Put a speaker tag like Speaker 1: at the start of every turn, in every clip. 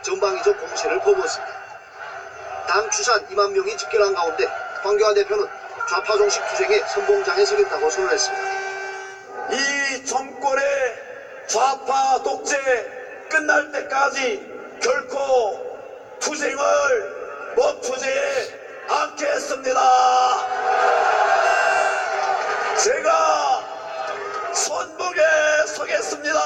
Speaker 1: 전방위적 공세를 퍼부었습니다. 당 추산 2만 명이 집결한 가운데 황교안 대표는 좌파 정식 투쟁에 선봉장에 서겠다고 선언했습니다.
Speaker 2: 이 정권의 좌파 독재 끝날 때까지 결코 투쟁을 멈추지 않겠습니다. 제가 선봉에 서겠습니다.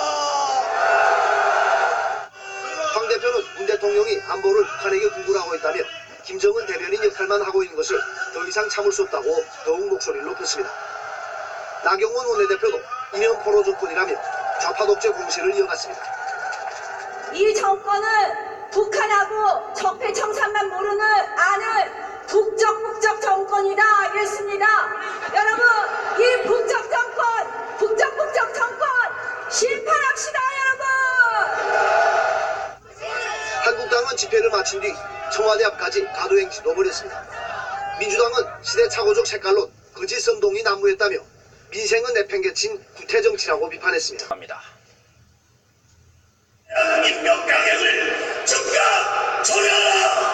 Speaker 1: 황 대표는 문 대통령이 안보를 북한에게 구굴하고 있다며 김정은 대변인 역할만 하고 있는 것을 더 이상 참을 수 없다고 더욱 목소리를 높였습니다. 나경원 원내대표도 이념 포로 정권이라며 좌파 독재 공세를 이어갔습니다.
Speaker 3: 이 정권은 북한하고 적폐청산만 모르는 아는 북적 정권이다 이랬습니다. 여러분, 이 북적 정권, 북적 정권 심판합시다 여러분.
Speaker 1: 한국당은 집회를 마친 뒤 청와대 앞까지 가도행진도 벌였습니다. 민주당은 시대착오적 색깔론 거짓 선동이 난무했다며 민생은 내팽개친 구태정치라고 비판했습니다.
Speaker 2: 임명 강행을 즉각 처리하라.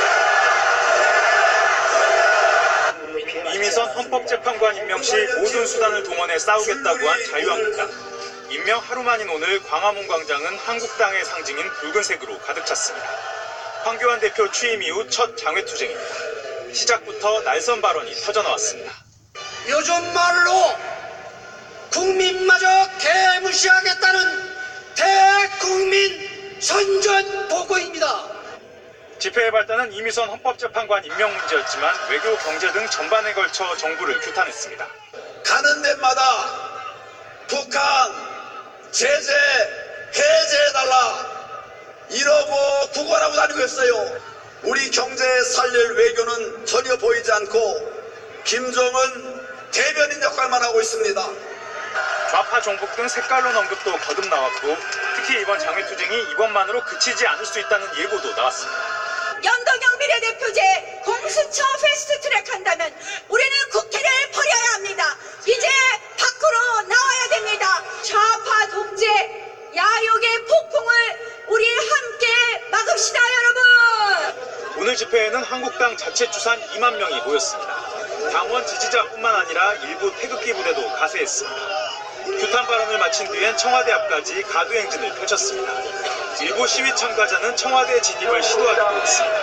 Speaker 4: 이미선 헌법재판관 임명 시 모든 수단을 동원해 싸우겠다고 한 자유한국당. 임명 하루 만인 오늘 광화문 광장은 한국당의 상징인 붉은색으로 가득 찼습니다. 황교안 대표 취임 이후 첫 장외투쟁입니다. 시작부터 날선 발언이 터져나왔습니다.
Speaker 5: 요즘 말로 국민마저 개무시하겠다는 대국민 선전포고입니다.
Speaker 4: 집회의 발단은 이미선 헌법재판관 임명 문제였지만 외교, 경제 등 전반에 걸쳐 정부를 규탄했습니다.
Speaker 2: 가는 데마다 북한 제재 해제해달라 이러고 구걸하고 다니고 있어요. 우리 경제 살릴 외교는 전혀 보이지 않고 김정은 대변인 역할만 하고 있습니다.
Speaker 4: 좌파 종북 등 색깔론 언급도 거듭 나왔고 특히 이번 장외투쟁이 이번만으로 그치지 않을 수 있다는 예고도 나왔습니다.
Speaker 3: 연동형 비례대표제 공수처 패스트트랙 한다면 우리는 국회를 버려야 합니다. 이제 밖으로 나와야 됩니다. 좌파 독재 야욕의 폭풍을 우리 함께 막읍시다 여러분.
Speaker 4: 오늘 집회에는 한국당 자체 추산 2만 명이 모였습니다. 당원 지지자뿐만 아니라 일부 태극기 부대도 가세했습니다. 규탄 발언을 마친 뒤엔 청와대 앞까지 가도행진을 펼쳤습니다. 일부 시위 참가자는 청와대 진입을 시도하기도 했습니다.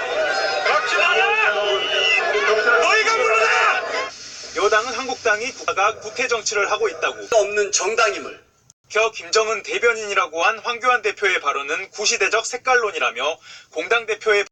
Speaker 2: 너희가 물러나!
Speaker 4: 여당은 한국당이 국가가 구태 정치를 하고 있다고
Speaker 5: 없는 정당임을
Speaker 4: 겨 김정은 대변인이라고 한 황교안 대표의 발언은 구시대적 색깔론이라며 공당 대표의